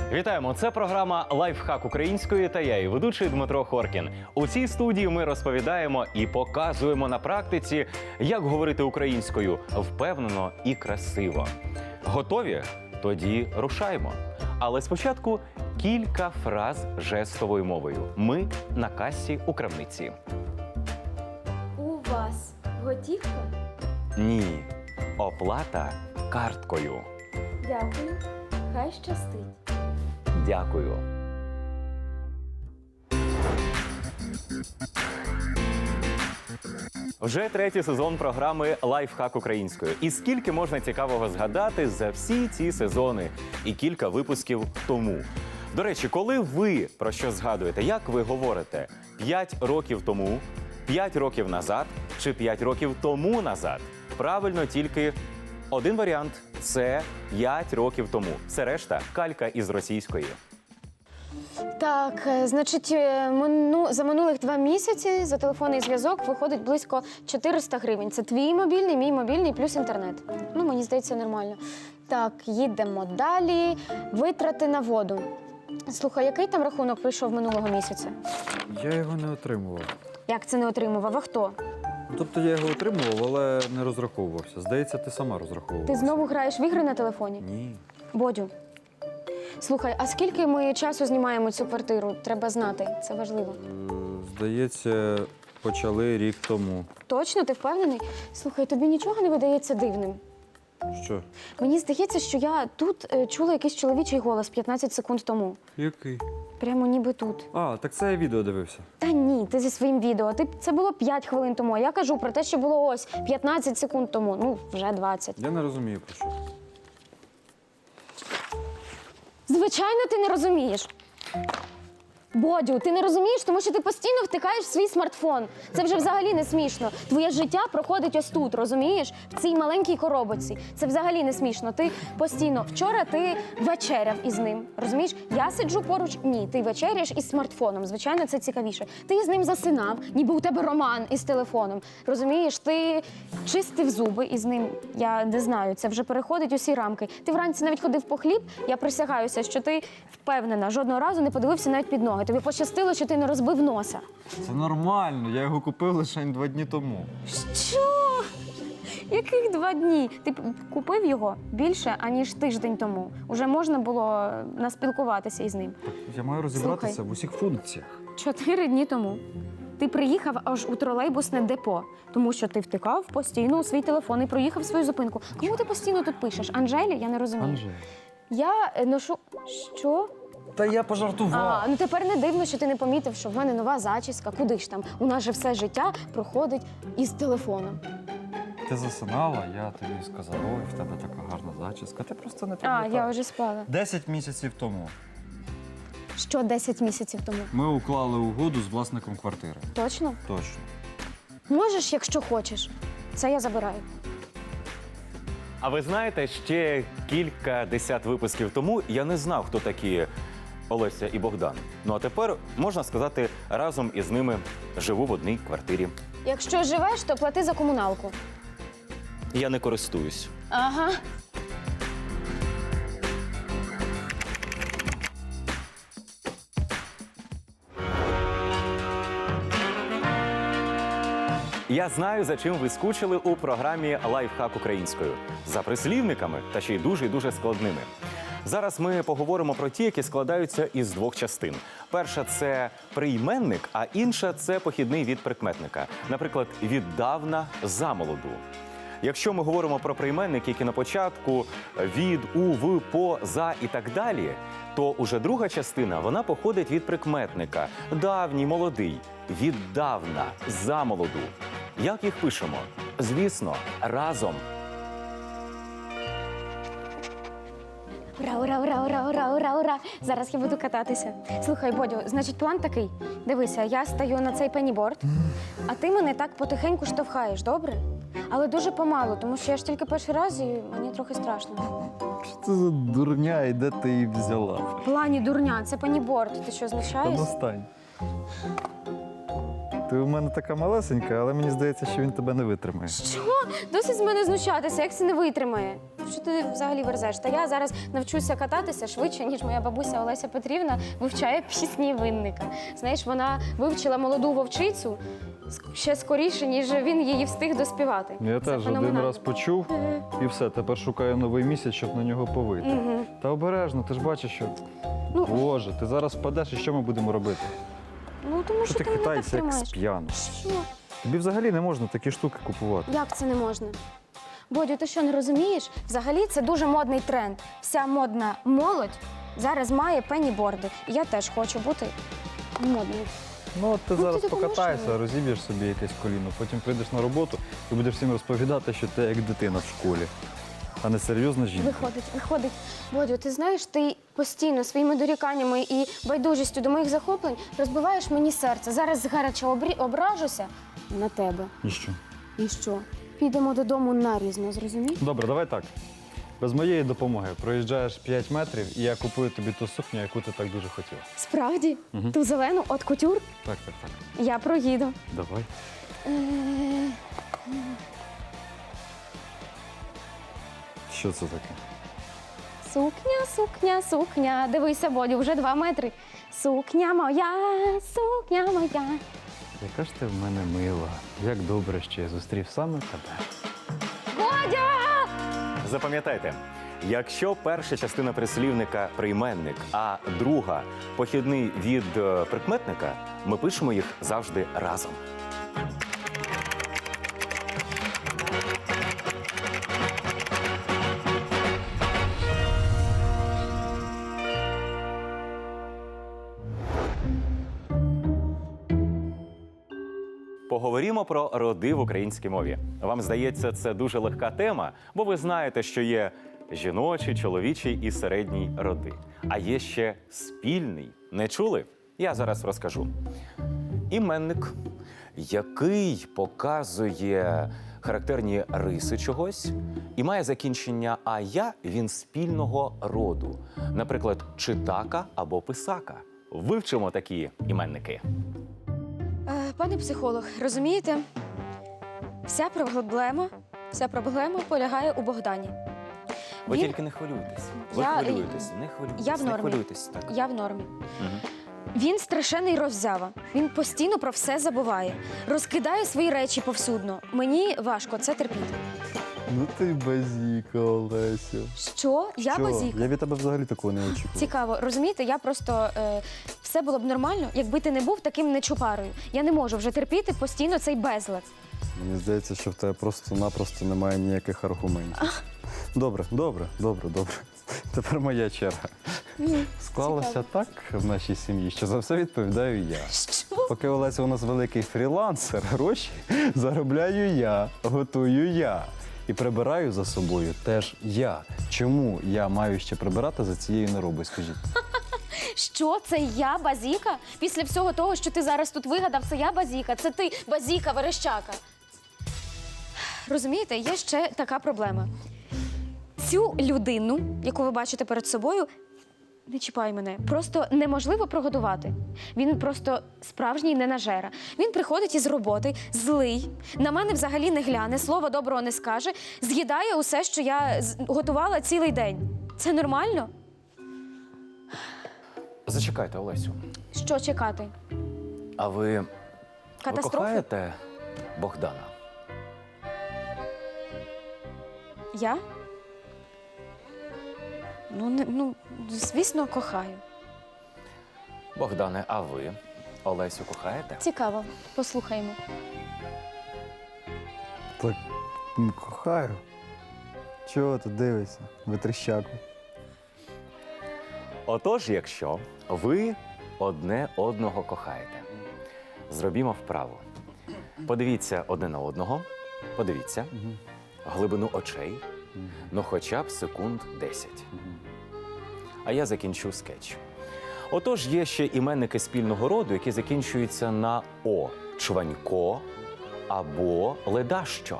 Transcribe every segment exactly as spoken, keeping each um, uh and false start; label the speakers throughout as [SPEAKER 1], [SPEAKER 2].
[SPEAKER 1] Вітаємо! Це програма «Лайфхак української» та я, її ведучий Дмитро Хоркін. У цій студії ми розповідаємо і показуємо на практиці, як говорити українською впевнено і красиво. Готові? Тоді рушаймо. Але спочатку кілька фраз жестовою мовою. Ми на касі у крамниці.
[SPEAKER 2] У вас готівка?
[SPEAKER 1] Ні. Оплата карткою.
[SPEAKER 2] Дякую. Хай щастить.
[SPEAKER 1] Дякую. Вже третій сезон програми «Лайфхак українською». І скільки можна цікавого згадати за всі ці сезони і кілька випусків тому. До речі, коли ви про що згадуєте, як ви говорите? П'ять років тому, п'ять років назад чи п'ять років тому назад? Правильно, тільки один варіант – це п'ять років тому. Все решта – калька із російської.
[SPEAKER 2] Так, е, значить, е, мину, за минулих два місяці за телефонний зв'язок виходить близько чотириста гривень. Це твій мобільний, мій мобільний плюс інтернет. Ну, мені здається, нормально. Так, їдемо далі. Витрати на воду. Слухай, який там рахунок прийшов минулого місяця?
[SPEAKER 3] Я його не отримував.
[SPEAKER 2] Як це не отримував? А хто?
[SPEAKER 3] Тобто я його отримував, але не розраховувався. Здається, ти сама розраховувалася.
[SPEAKER 2] Ти знову граєш в ігри на телефоні?
[SPEAKER 3] Ні.
[SPEAKER 2] Бодю, слухай, а скільки ми часу знімаємо цю квартиру? Треба знати, це важливо.
[SPEAKER 3] Е, Здається, почали рік тому.
[SPEAKER 2] Точно, ти впевнений? Слухай, тобі нічого не видається дивним?
[SPEAKER 3] Що?
[SPEAKER 2] Мені здається, що я тут е, чула якийсь чоловічий голос п'ятнадцять секунд тому.
[SPEAKER 3] Який?
[SPEAKER 2] Прямо ніби тут.
[SPEAKER 3] А, так це я відео дивився.
[SPEAKER 2] Та ні, ти зі своїм відео. Ти, це було п'ять хвилин тому, а я кажу про те, що було ось п'ятнадцять секунд тому. Ну, вже двадцять.
[SPEAKER 3] Я не розумію, про що.
[SPEAKER 2] Звичайно, ти не розумієш. Бодю, ти не розумієш, тому що ти постійно втикаєш в свій смартфон. Це вже взагалі не смішно. Твоє життя проходить ось тут, розумієш? В цій маленькій коробочці. Це взагалі не смішно. Ти постійно... Вчора ти вечеряв із ним, розумієш? Я сиджу поруч, ні, ти вечеряєш із смартфоном. Звичайно, це цікавіше. Ти з ним засинав, ніби у тебе роман із телефоном. Розумієш? Ти чистив зуби із ним. Я не знаю, це вже переходить усі рамки. Ти вранці навіть ходив по хліб, я присягаюся, що ти впевнена, жодного разу не подивився навіть під ноги. Тобі пощастило, що ти не розбив носа.
[SPEAKER 3] Це нормально, я його купив лише два дні тому.
[SPEAKER 2] Що? Яких два дні? Ти п- купив його більше, аніж тиждень тому. Уже можна було наспілкуватися із ним.
[SPEAKER 3] Я маю розібратися
[SPEAKER 2] Слухай.
[SPEAKER 3] в усіх функціях.
[SPEAKER 2] Чотири дні тому. Ти приїхав аж у тролейбусне депо, тому що ти втикав постійно у свій телефон і проїхав свою зупинку. Кому ти постійно тут пишеш? Анжелі? Я не розумію.
[SPEAKER 3] Анжель.
[SPEAKER 2] Я е, ношу... Що?
[SPEAKER 3] Та я пожартував.
[SPEAKER 2] А, ну тепер не дивно, що ти не помітив, що в мене нова зачіска. Куди ж там? У нас же все життя проходить із телефоном.
[SPEAKER 3] Ти засинала, я тобі сказав, ой, в тебе така гарна зачіска. Ти просто не
[SPEAKER 2] А,
[SPEAKER 3] пам'ятаєш.
[SPEAKER 2] я вже спала.
[SPEAKER 3] Десять місяців тому
[SPEAKER 2] Що десять місяців тому?
[SPEAKER 3] ми уклали угоду з власником квартири.
[SPEAKER 2] Точно?
[SPEAKER 3] Точно.
[SPEAKER 2] Можеш, якщо хочеш. Це я забираю.
[SPEAKER 1] А ви знаєте, ще кілька десят випусків тому я не знав, хто такі Олеся і Богдан. Ну а тепер, можна сказати, разом із ними живу в одній квартирі.
[SPEAKER 2] Якщо живеш, то плати за комуналку.
[SPEAKER 1] Я не користуюсь.
[SPEAKER 2] Ага.
[SPEAKER 1] Я знаю, за чим ви скучили у програмі «Лайфхак українською». За прислівниками, та ще й дуже і дуже складними. Зараз ми поговоримо про ті, які складаються із двох частин. Перша – це прийменник, а інша – це похідний від прикметника. Наприклад, «віддавна замолоду». Якщо ми говоримо про прийменники, які на початку від, у, в, по, за і так далі, то уже друга частина, вона походить від прикметника. Давній, молодий, віддавна, замолоду. Як їх пишемо? Звісно, разом.
[SPEAKER 2] Ура, ура, ура, ура, ура, ура, ура. Зараз я буду кататися. Слухай, Бодю, значить, план такий. Дивися, я стаю на цей пеніборд, а ти мене так потихеньку штовхаєш, добре? Але дуже помалу, тому що я ж тільки перший раз і мені трохи страшно.
[SPEAKER 3] Що це за дурня і де ти її взяла?
[SPEAKER 2] В плані дурня, це пеніборд. Ти що,
[SPEAKER 3] Та
[SPEAKER 2] знущаєшся?
[SPEAKER 3] достань. Ти у мене така малесенька, але мені здається, що він тебе не витримає.
[SPEAKER 2] Що? Досить з мене знущатися, як це не витримає? що ти взагалі верзеш? Та я зараз навчуся кататися швидше, ніж моя бабуся Олеся Петрівна вивчає пісні Винника. Знаєш, вона вивчила молоду вовчицю ск- ще скоріше, ніж він її встиг доспівати.
[SPEAKER 3] Я
[SPEAKER 2] Це
[SPEAKER 3] теж один
[SPEAKER 2] феноменально.
[SPEAKER 3] раз почув і все, тепер шукаю новий місяць, щоб на нього повити.
[SPEAKER 2] Мгм.
[SPEAKER 3] Та обережно, ти ж бачиш, що.
[SPEAKER 2] Ну.
[SPEAKER 3] Боже, ти зараз впадеш і що ми будемо робити?
[SPEAKER 2] Ну, тому
[SPEAKER 3] Що
[SPEAKER 2] що
[SPEAKER 3] ти
[SPEAKER 2] ти мене так
[SPEAKER 3] хитаєшся як
[SPEAKER 2] тримаєш.
[SPEAKER 3] з п'яну?
[SPEAKER 2] Що?
[SPEAKER 3] Тобі взагалі не можна такі штуки купувати.
[SPEAKER 2] Як це не можна? Бодю, ти що, не розумієш? Взагалі це дуже модний тренд. Вся модна молодь зараз має пеніборди. І я теж хочу бути модною.
[SPEAKER 3] Ну, от ти
[SPEAKER 2] ти
[SPEAKER 3] зараз
[SPEAKER 2] допоможеш
[SPEAKER 3] покатаєшся,
[SPEAKER 2] мені?
[SPEAKER 3] розіб'єш собі якесь коліно, потім прийдеш на роботу і будеш всім розповідати, що ти як дитина в школі, а не серйозна жінка.
[SPEAKER 2] Виходить, виходить. Бодю, ти знаєш, ти постійно своїми доріканнями і байдужістю до моїх захоплень розбиваєш мені серце. Зараз згаряча обрі... ображуся на тебе.
[SPEAKER 3] І що?
[SPEAKER 2] І що? Підемо додому нарізно, зрозумів?
[SPEAKER 3] Добре, давай так. Без моєї допомоги проїжджаєш п'ять метрів, і я купую тобі ту сукню, яку ти так дуже хотіла.
[SPEAKER 2] Справді?
[SPEAKER 3] Мгм.
[SPEAKER 2] Ту зелену от кутюр
[SPEAKER 3] Так, так, так.
[SPEAKER 2] я проїду.
[SPEAKER 3] Давай.
[SPEAKER 2] Е,
[SPEAKER 3] Що це таке?
[SPEAKER 2] Сукня, сукня, сукня. Дивися, Бодю, вже два метри. Сукня моя, сукня моя.
[SPEAKER 3] Яка ж ти в мене мила. Як добре, що я зустрів саме тебе.
[SPEAKER 2] Бодя!
[SPEAKER 1] Запам'ятайте, якщо перша частина прислівника прийменник, а друга похідний від е, прикметника, ми пишемо їх завжди разом. Поговоримо про роди в українській мові. Вам здається, це дуже легка тема, бо ви знаєте, що є жіночий, чоловічий і середній роди. А є ще спільний. Не чули? Я зараз розкажу. Іменник, який показує характерні риси чогось і має закінчення «ая», він спільного роду. Наприклад, читака або писака. Вивчимо такі іменники.
[SPEAKER 2] Е, Пане психолог, розумієте, вся проблема, вся проблема полягає у Богдані.
[SPEAKER 1] Ви
[SPEAKER 2] Він-
[SPEAKER 1] тільки не хвилюйтесь. Ви
[SPEAKER 2] Я-
[SPEAKER 1] хвилюєтесь, не хвилюйтесь,
[SPEAKER 2] Я в
[SPEAKER 1] не
[SPEAKER 2] нормі.
[SPEAKER 1] хвилюйтесь. Так.
[SPEAKER 2] Я в нормі.
[SPEAKER 1] Мгм.
[SPEAKER 2] Він страшенний роззява. Він постійно про все забуває. Розкидає свої речі повсюдно. Мені важко це терпіти.
[SPEAKER 3] Ну ти базіка, Олесю.
[SPEAKER 2] Що? Я базік.
[SPEAKER 3] Я від тебе взагалі такого не очікував.
[SPEAKER 2] Цікаво, розумієте, я просто е, все було б нормально, якби ти не був таким нечупарою. Я не можу вже терпіти постійно цей безлад.
[SPEAKER 4] Мені здається, що в тебе просто-напросто немає ніяких аргументів. Добре, добре, добре, добре.
[SPEAKER 3] Тепер моя черга. Склалося
[SPEAKER 2] цікаво.
[SPEAKER 3] так в нашій сім'ї, що за все відповідаю я.
[SPEAKER 2] Що?
[SPEAKER 3] Поки Олеся у нас великий фрілансер, гроші заробляю я, готую я. І прибираю за собою теж я. Чому я маю ще прибирати за цією неробою, скажіть?
[SPEAKER 2] Що це я базіка? Після всього того, що ти зараз тут вигадав, це я базіка, це ти базіка, верещака. Розумієте, є ще така проблема. Цю людину, яку ви бачите перед собою, не чіпай мене, просто неможливо прогодувати. Він просто справжній ненажера. Він приходить із роботи, злий, на мене взагалі не гляне, слова доброго не скаже, з'їдає усе, що я з- готувала цілий день. Це нормально?
[SPEAKER 1] Зачекайте, Олесю.
[SPEAKER 2] Що чекати?
[SPEAKER 1] А ви, ви
[SPEAKER 2] Катастрофи?
[SPEAKER 1] кохаєте Богдана?
[SPEAKER 2] Я? Ну, не, ну, звісно, кохаю.
[SPEAKER 1] Богдане, а ви Олесю кохаєте?
[SPEAKER 2] Цікаво, послухаємо.
[SPEAKER 4] Так, м, кохаю. Чого ти дивишся, витріщаку?
[SPEAKER 1] Отож, якщо ви одне одного кохаєте, зробімо вправу. Подивіться одне на одного, подивіться, глибину очей, ну хоча б секунд десять. А я закінчу скетч. Отож, є ще іменники спільного роду, які закінчуються на «о» – чванько або ледащо.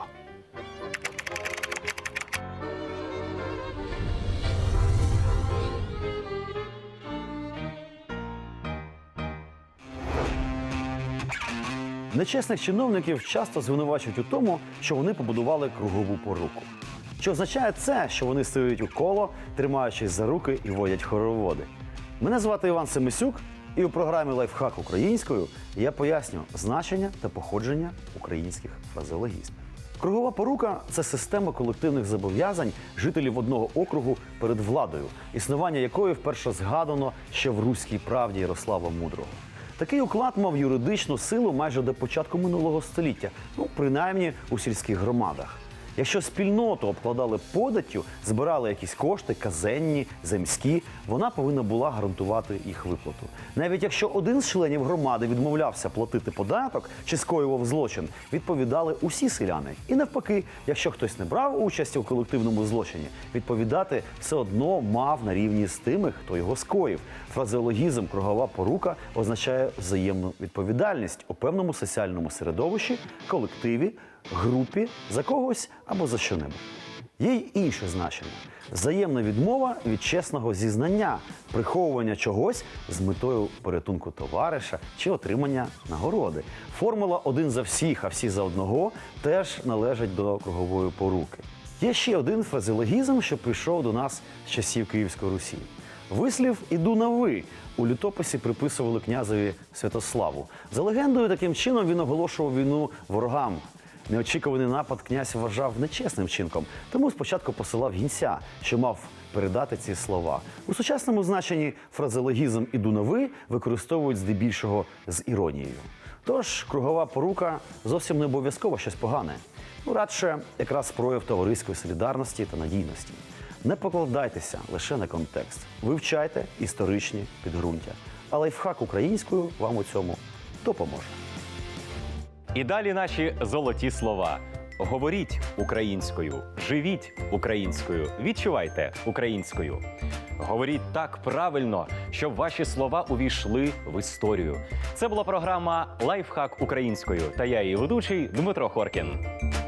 [SPEAKER 5] Нечесних чиновників часто звинувачують у тому, що вони побудували кругову поруку. Чи означає це, що вони стоять у коло, тримаючись за руки і водять хороводи? Мене звати Іван Семисюк, і у програмі «Лайфхак українською» я поясню значення та походження українських фразеологізмів. Кругова порука – це система колективних зобов'язань жителів одного округу перед владою, існування якої вперше згадано ще в «Руській правді» Ярослава Мудрого. Такий уклад мав юридичну силу майже до початку минулого століття, ну, принаймні у сільських громадах. Якщо спільноту обкладали податтю, збирали якісь кошти, казенні, земські, вона повинна була гарантувати їх виплату. Навіть якщо один з членів громади відмовлявся платити податок чи скоював злочин, відповідали усі селяни. І навпаки, якщо хтось не брав участі у колективному злочині, відповідати все одно мав на рівні з тими, хто його скоїв. Фразеологізм «кругова порука» означає взаємну відповідальність у певному соціальному середовищі, колективі, групі, за когось або за що-небудь. Є й інше значення – взаємна відмова від чесного зізнання, приховування чогось з метою порятунку товариша чи отримання нагороди. Формула «один за всіх, а всі за одного» теж належить до кругової поруки. Є ще один фразеологізм, що прийшов до нас з часів Київської Русі. Вислів «іду на ви» у літописі приписували князеві Святославу. За легендою, таким чином він оголошував війну ворогам. Неочікуваний напад князь вважав нечесним вчинком, тому спочатку посилав гінця, що мав передати ці слова. У сучасному значенні фразеологізм «іду на ви» використовують здебільшого з іронією. Тож кругова порука зовсім не обов'язково щось погане. Ну, радше якраз прояв товариської солідарності та надійності. Не покладайтеся лише на контекст. Вивчайте історичні підґрунтя. А лайфхак українською вам у цьому допоможе.
[SPEAKER 1] І далі наші золоті слова. Говоріть українською, живіть українською, відчувайте українською. Говоріть так правильно, щоб ваші слова увійшли в історію. Це була програма «Лайфхак українською» та я її ведучий Дмитро Хоркін.